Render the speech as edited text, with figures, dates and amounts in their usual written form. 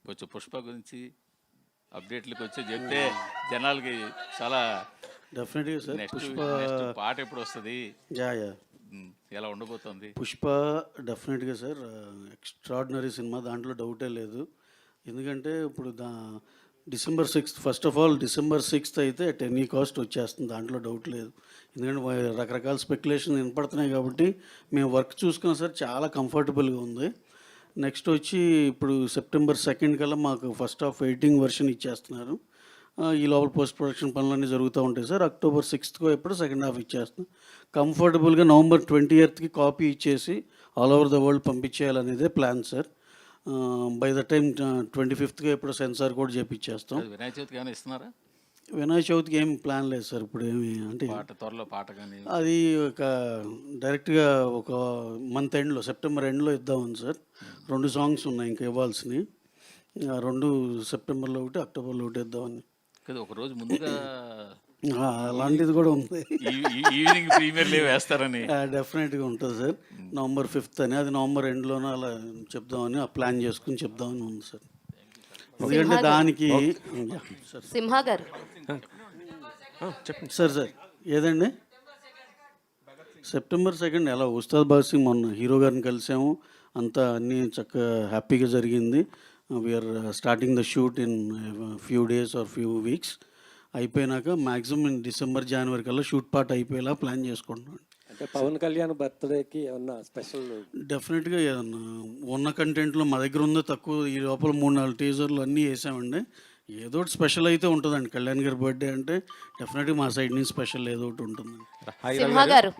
కొంచెం పుష్ప గురించి అప్డేట్లకు వచ్చి చెప్తే జనాలకి చాలా డెఫినెట్గా సార్. నెక్స్ట్ పుష్ప నెక్స్ట్ పాట ఎప్పుడు వస్తుంది, యా యా ఎలా ఉండబోతుంది? పుష్ప డెఫినెట్గా సార్ ఎక్స్ట్రాడినరీ సినిమా, దాంట్లో డౌటే లేదు. ఎందుకంటే ఇప్పుడు December 6th, first of all December 6th అయితే అట్ ఎనీ కాస్ట్ వచ్చేస్తుంది, దాంట్లో డౌట్ లేదు. ఎందుకంటే రకరకాల స్పెక్యులేషన్ వినపడుతున్నాయి కాబట్టి మేము వర్క్ చూసుకున్నాం సార్, చాలా కంఫర్టబుల్గా ఉంది. నెక్స్ట్ వచ్చి ఇప్పుడు September 2nd కల్లా మాకు ఫస్ట్ హాఫ్ ఎడిటింగ్ వర్షన్ ఇచ్చేస్తున్నారు. ఈ లోపల పోస్ట్ ప్రొడక్షన్ పనులన్నీ జరుగుతూ ఉంటాయి సార్. October 6th ఎప్పుడు సెకండ్ హాఫ్ ఇచ్చేస్తాం. కంఫర్టబుల్గా November 20th కాపీ ఇచ్చేసి ఆల్ ఓవర్ ద వరల్డ్ పంపించేయాలనేదే plan sir. By the time 25th ఎప్పుడు సెన్సార్ కూడా చేపించేస్తాం. వినాయక చవితికి ఏమైనా ఇస్తున్నారా? వినాయక చవితికి ఏం ప్లాన్ లేదు సార్ ఇప్పుడు. ఏమి అంటే త్వరలో పాట కానీ అది ఒక డైరెక్ట్గా ఒక మంత్ ఎండ్లో, సెప్టెంబర్ ఎండ్లో ఇద్దామని సార్. 2 సాంగ్స్ ఉన్నాయి ఇంకా ఇవ్వాల్సినవి. 2 సెప్టెంబర్లో ఒకటి, అక్టోబర్లో ఒకటి ఇద్దామని. కదా ఒక రోజు ముందుగా అలాంటిది కూడా ఉంది. ఈవినింగ్ ప్రీమియర్ లీవ్ వేస్తారని డెఫినెట్గా ఉంటుంది సార్. November 5th అని, అది నవంబర్ ఎండ్లోనే అలా చెప్దామని ప్లాన్ చేసుకుని చెప్దామని ఉంది సార్. ఎందుకంటే దానికి సింహ గారు సార్ ఏదండి September 2nd ఎలా ఉస్తాద్ భగత్ సింగ్ మొన్న హీరో గారిని కలిసాము, అంతా అన్నీ చక్కగా హ్యాపీగా జరిగింది. We're starting the shoot in few days or few weeks. అయిపోయినాక మ్యాక్సిమం December, January కల్లా షూట్ పార్ట్ అయిపోయేలా ప్లాన్ చేసుకుంటున్నాను. అంటే పవన్ కళ్యాణ్ బర్త్డేకి ఏమన్నా స్పెషల్? డెఫినెట్గా ఏదన్నా ఉన్న కంటెంట్లో మా దగ్గర ఉందో తక్కువ, ఈ లోపల 3-4 టీజర్లు అన్నీ వేసామండి. ఏదో ఒకటి స్పెషల్ అయితే ఉంటుందండి. కళ్యాణ్ గారి బర్త్డే అంటే డెఫినెట్గా మా సైడ్ నుంచి స్పెషల్ ఏదో ఒకటి ఉంటుంది. సింహ గారు